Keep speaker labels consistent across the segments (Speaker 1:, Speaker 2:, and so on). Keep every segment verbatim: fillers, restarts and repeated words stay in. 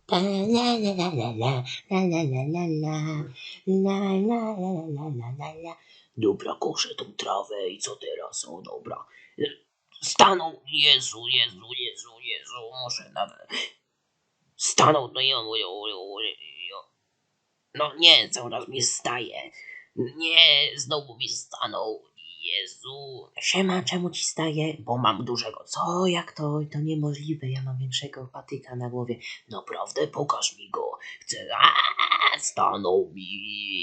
Speaker 1: La la la la la la la la la la la la la la la la la la. Dobra, koszę tą trawę i co teraz? O dobra. Stanął, Jezu, Jezu, Jezu, Jezu, muszę nawet. Stanął, no i on, no nie, cały raz mi staje. Nie, znowu mi stanął. Jezu. Siema, czemu ci staje? Bo mam dużego. Co? Jak to? To niemożliwe. Ja mam większego patyka na głowie. Naprawdę? Pokaż mi go. Chcę... Aaaa, stanął mi.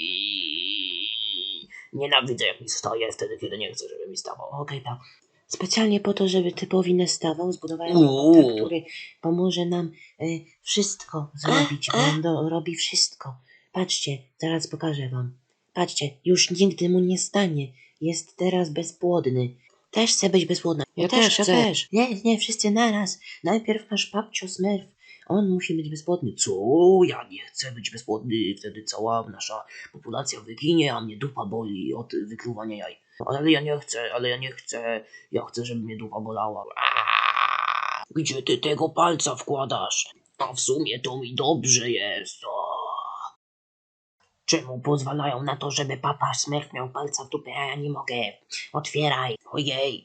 Speaker 1: Nienawidzę, jak mi staje wtedy, kiedy nie chcę, żeby mi stawał. Okej, okay, pa. Specjalnie po to, żeby typowi nie stawał, zbudowałem robota, który pomoże nam y, wszystko zrobić, bo on do, robi wszystko. Patrzcie, zaraz pokażę wam. Patrzcie, już nigdy mu nie stanie. Jest teraz bezpłodny. Też chcę być bezpłodna. Ja, ja też, chcę. ja też. Nie, nie, wszyscy naraz. Najpierw nasz babcio Smurf. On musi być bezpłodny. Co? Ja nie chcę być bezpłodny. Wtedy cała nasza populacja wyginie, a mnie dupa boli od wykluwania jaj. Ale ja nie chcę, ale ja nie chcę. Ja chcę, żeby mnie dupa bolała. Aaaa! Gdzie ty tego palca wkładasz? A w sumie to mi dobrze jest. O. Czemu pozwalają na to, żeby papa Smurf miał palca w dupie, a ja nie mogę? Otwieraj. Ojej.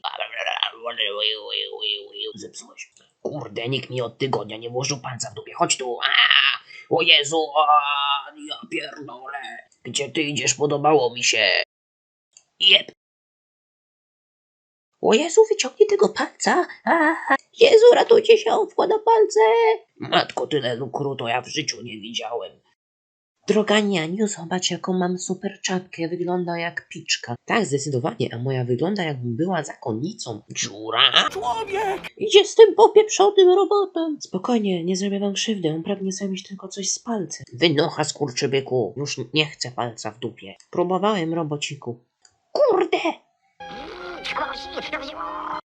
Speaker 1: Zepsułeś. Kurde, nikt mi od tygodnia nie włożył palca w dupie. Chodź tu. Aaaa! O Jezu. Aaaa! Ja pierdolę. Gdzie ty idziesz? Podobało mi się. Jep. O Jezu, wyciągnij tego palca. Aaaa. Jezu, ratujcie się, on wkłada palce. Matko, tyle lukru to ja w życiu nie widziałem. Droga Nianiu, zobacz jaką mam super czapkę, wygląda jak piczka. Tak, zdecydowanie, a moja wygląda jakbym była zakonnicą. Dziura? Człowiek! Idzie z tym popieprzonym robotem. Spokojnie, nie zrobię wam krzywdy, on pragnie zrobić tylko coś z palcem. Wynocha, skurczybyku, już nie chcę palca w dupie. Próbowałem, robociku. Kurde!